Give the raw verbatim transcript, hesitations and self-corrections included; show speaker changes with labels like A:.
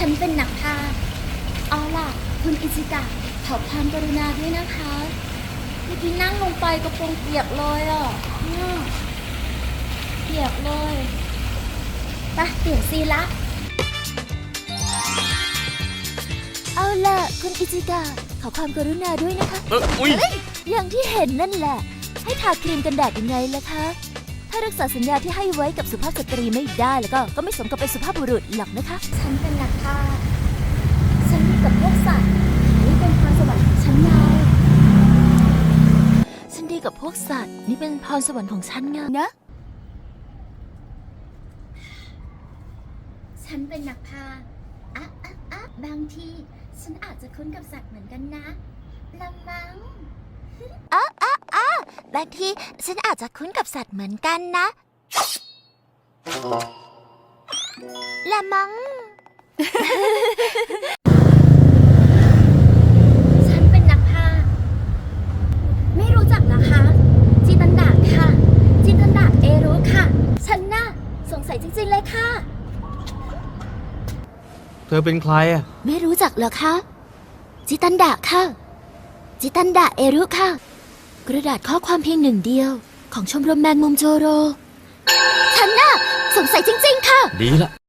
A: ฉันเป็นนักพากย์เอาล่ะคุณอิจิกะขอความกรุณาด้วยนะคะเมื่อกี้นั่งลงไปกระโปรงเปียกเลยอ่ะเนี่ยเปียกเลยไปเปลี่ยนซีนละเอาล่ะคุณอิจิกะขอความกรุณาด้วยนะคะ
B: เอออุ้ย
A: อย่างที่เห็นนั่นแหละให้ทาครีมกันแดดยังไงล่ะคะถ้ารักษาสัญญาที่ให้ไว้กับสุภาพสตรีไม่ได้แล้วก็ก็ไม่สมกับเป็นสุภาพบุรุษหรอกนะคะฉันเป็นนักพากย์ฉันมีกับพวกสัตว์นี่เป็นพรสวรรค์ของฉันไงฉันดีกับพวกสัตว์นี่เป็นพรสวรรค์ของฉันไงนะฉันเป็นนักพากย์อะอะอะบางทีฉันอาจจะคุ้นกับสัตว์เหมือนกันนะละมังอ้าอ้าอ้าบางทีฉันอาจจะคุ้นกับสัตว์เหมือนกันนะละมัง ฉันเป็นนักพากย์ไม่รู้จักนะคะจินตันดาค่ะจินตันดาเอรู้ค่ะฉันน่ะสงสัยจริงๆเลยค่ะ
B: เธอเป็นใครอ่ะ
A: ไม่รู้จักเหรอคะจิตันดะค่ะจิตันดะเอรุค่ะกระดาษข้อความเพียงหนึ่งเดียวของชมรมแมงมุมโจโรฉันน่ะสงสัยจริงๆค่ะ
B: ดีละ